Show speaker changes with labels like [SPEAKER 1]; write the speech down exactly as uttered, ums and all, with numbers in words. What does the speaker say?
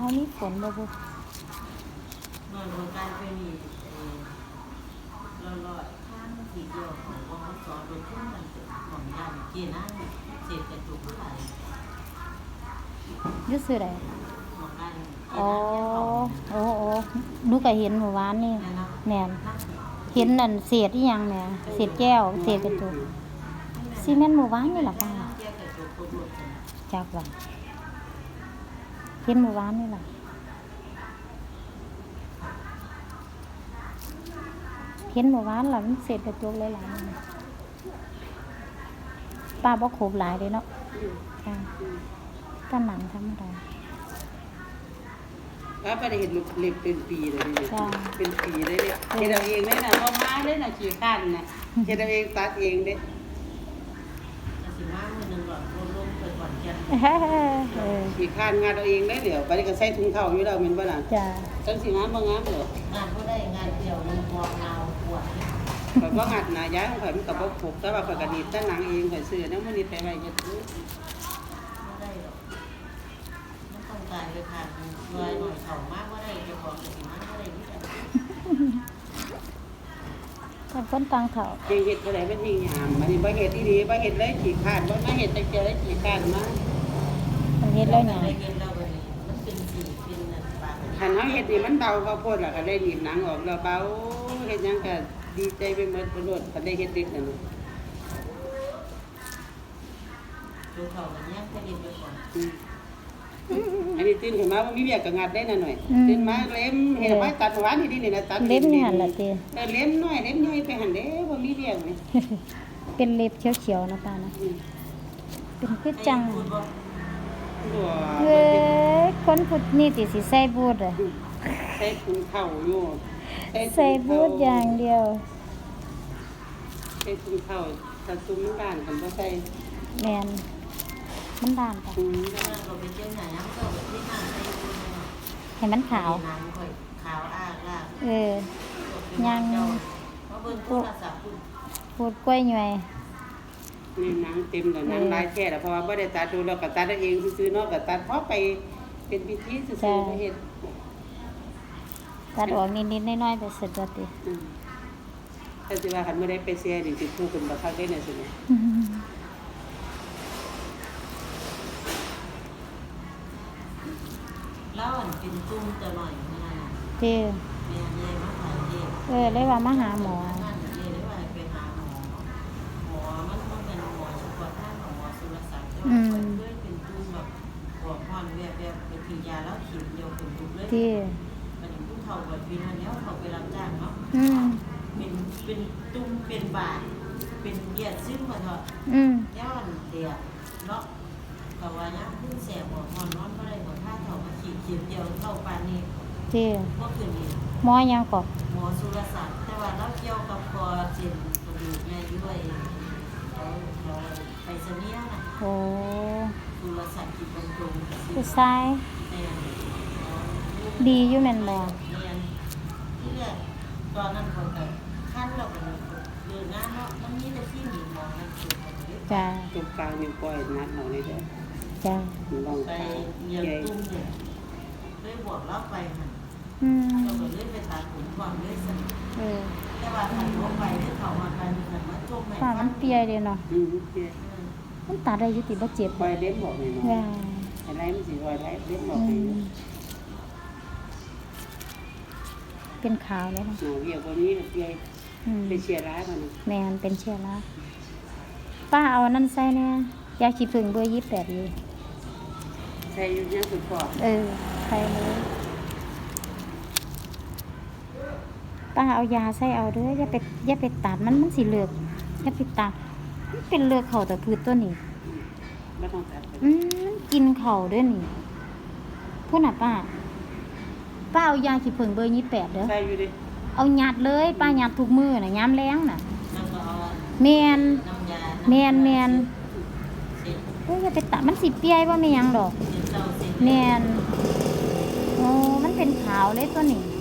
[SPEAKER 1] เขามีฝนบ่บุ
[SPEAKER 2] นอนโรงการเป็นอีเราลอยข้างทีเดียวของวงสอนโดยทุ่งมันของยามเกียร์นั่งเศษกระจุกไหล
[SPEAKER 1] ยึดซื้อได้
[SPEAKER 2] ของได้
[SPEAKER 1] อ๋อโอ้โอ้หนูก็เห็นเมื่อวานนี่แม่นเห็นนั่นเศษอีหยังแหม่เศษแก้วเศษกระจกซีเมนต์เมื่อวานนี่ล่ะป้าจักว่าเห็นเมื่อวานนี่ล่ะเห็นเมื่อวานล่ะมันเศษกระจกหลายๆป้าบ่ครบหลายเลยเนาะค่ะก็หนังธรรมดา
[SPEAKER 3] ป้าไปได้เห็นเล็บเป็นปีเลยเป็นปีเลยเนี่ยเห็นเอาเองเลยนะพ่อมาเลยนะขี้ข้านนะเห็นเอาเองตัดเองเด้
[SPEAKER 2] สิมามือหนึ่งก่อนลงไปก่อนเชียน
[SPEAKER 3] ขี้ข้านงานเอาเองได้เดี๋ยวไปก็ใส่ถุงเท้าอยู่แล้วมันบ่น่ะ
[SPEAKER 1] จ้า
[SPEAKER 3] จังสิงามบ่งามเหร
[SPEAKER 2] องานก็ได้งานเดียวนึงพอเงาปวด
[SPEAKER 3] ข่อยบ่งัดนะย้ายของข่อยมันก็บ่ผูกแต่ว่าข่อยก็ดีดแต่หนังเองข่อยซื้อแล้วมื้อนี้ไปไว้เฮ็ดซื้อ
[SPEAKER 2] ไม่ได้หรอกมันต้องการเลยค่ะรวยหน่อยเข่ามากก็ได้จะของสิมากก็ได้ที่
[SPEAKER 1] แต่คนตังเถา
[SPEAKER 3] เฮ็ดบ่ได้เป็นหิ้งยามอันนี้บ่เฮ็ดดีๆบ่เฮ็ดเลยขี้ข้านบ่มาเฮ็ดจังซี่เลยขี้ข้านมา
[SPEAKER 1] มันเฮ็ดแล้วหยัง
[SPEAKER 2] มันเป็นสีเป็นนั่นปาก
[SPEAKER 3] คันเฮาเฮ็ดนี่มันเบาข้าวโพดล่ะก็ได้หนีบหนังออกแล้วเบาเฮ็ดหยังก็ดีใจไปหมดบ่โลดคันได้เฮ็ดเด็ดนั่นน่ะ
[SPEAKER 2] ดูเขามันแยกให้ดีไปก่อน
[SPEAKER 3] อันนี้ตื่นขึ้นมาบ่มีเวียกก็งัดได้น่ะหน่อยตื่นมาเล็มเฮ็ดไว้ตัดหวานนี่นี่นะตัด
[SPEAKER 1] เล็มนี่หั่นล่ะติ
[SPEAKER 3] เออเล็มน้อยเล็มใหญ่ไปหั่นเด้บ่มีเวียกนี่
[SPEAKER 1] เป็นเล็บเขียวๆนะป้านะเป็นคือจังเว้ยคนพุดนี่ติสิใส่บูทอ่ะ
[SPEAKER 3] ใส่ถุงเท้าอยู่
[SPEAKER 1] ใส่บูทอย่างเดียว
[SPEAKER 3] ใส่ถุงเท้าถ้าตุ้มด้านกันบ่ใส่
[SPEAKER 1] แม่นมันด้านจ้ะ
[SPEAKER 2] เราไปเที่ยวไหนน้ำก็ที่น้ำใส่บูท
[SPEAKER 1] ให้มันขาว
[SPEAKER 2] ขาวอ้ากลาก
[SPEAKER 1] เออย่าง
[SPEAKER 2] พูด
[SPEAKER 1] พูดกล้วยหน่วย
[SPEAKER 3] นี่หนังเต็มแล้วหนังลายแท้แล้วเพราะว่าบ่ได้ตัดดูแล้วก็ตัดเองซื่อๆเนาะก็ตัดพอไปเป็นพิธีซื่อๆไปเฮ็ด
[SPEAKER 1] ตัดออกนิดๆน้อยๆไปเสร็จแล้วติ
[SPEAKER 3] อือถ้าสิว่าคันบ่ได้ไปเสียนี่สิผู้ขึ้นบ่คักได้น่ะสิแม่
[SPEAKER 2] แล้วอันเป็นตุ้มจะหน่อยนี่นะ
[SPEAKER 1] เจ้
[SPEAKER 2] แม่ใหญ่มาหาเจ้
[SPEAKER 1] เออเลยว่ามาหาหมอ
[SPEAKER 2] อืมด้วยเป็นตุ้มแบบหัวพอนแบบแบบเป็นถือยาแล้วขีดเดียวเป็นตุ้มเลยที่มันเป็นตุ้มเท่าแบบวินวันนี้เขาไปรับจ้างเนาะ
[SPEAKER 1] อืม
[SPEAKER 2] เป็นเป็นตุ้มเป็นบาทเป็นเดียดซึ่งมาเถอะ
[SPEAKER 1] อืม
[SPEAKER 2] ย้อนเดียดเนาะแต่ว่าย้ำขึ้นแสบหัวพอนนอนก็ได้หัวท่าเท่ามาขีดขีดเดียวเท่าปานนี้
[SPEAKER 1] ที่
[SPEAKER 2] ก็คือนี่
[SPEAKER 1] หมอยังก่อน
[SPEAKER 2] หมอสุรศักดิ์แต่ว่าเราเกี่ยวกับคอเจ็บกระดูกในด้วยเราเราไปเสนียนะ
[SPEAKER 1] โอ้
[SPEAKER 2] สุรศักดิ์ที่ตรงตรง
[SPEAKER 1] ผู้ชายดีอยู่แม่นบ่
[SPEAKER 2] ที่แรกตอนนั้นคนแบบขั้นเราเป็นเดินงานเนาะมันมีแต่ที่หนีมองนั่นคือ
[SPEAKER 1] จ้า
[SPEAKER 3] ตรงกลางนิ้วก้อยนัดเอาเลยเด้อ
[SPEAKER 1] จ้า
[SPEAKER 2] ไปเยี่ยมตุ้มเนี่ยเลยบวกเล่าไปค่ะเราก็เลยไปตัดผมก่อนเลยสิ
[SPEAKER 1] เออ
[SPEAKER 2] แต่ว่าถ่ายรูปไปที่เขามากันเหมือนว่าจมไหน
[SPEAKER 1] ฝ่ามันเปียเลยเนาะ
[SPEAKER 3] อืมเปีย
[SPEAKER 1] มันตัดได้ยุติบ่เจ็บ
[SPEAKER 3] ปล่อยเล็บบอกเลยเนาะอะไรมันสิปล่อยเล็บบอกเลย
[SPEAKER 1] เป็นขาวเลยนะ
[SPEAKER 3] หนูเวียกว่านี้เปียเป็นเชียร์ร้ายมัน
[SPEAKER 1] แมนเป็นเชียร์ร้ายป้าเอานั่นใส่เนี่ยยาขี้ผึ้งเบอร์ยี่สิบแปดอยู่
[SPEAKER 3] ใส่อยู่ยังสุดปอด
[SPEAKER 1] เออใส่เลยป้าเอายาใส่เอาเด้ออย่าไปอย่าไปตัดมันมันสิเลือกอย่าไปตัดมันเป็นเลือกเข่าแต่พืชตัวนี้
[SPEAKER 3] ไม่ต้องตัด
[SPEAKER 1] อืมกินเข่าด้วยนี่พูดหน่ะป้าป้าเอายาขี้ผึ้งเบอร์ยี่สิบแปดเด้อ
[SPEAKER 3] ใส่อยู่ดิ
[SPEAKER 1] เอาหยัดเลยป้าหยัดทุกมือน่ะย้ำแรงน่ะแมนแมนแมนเฮ้ยอย่าไปตัดมันสิเปียว่าไม่ยังดอกแมนโอ้มันเป็นขาวเลยตัวนี้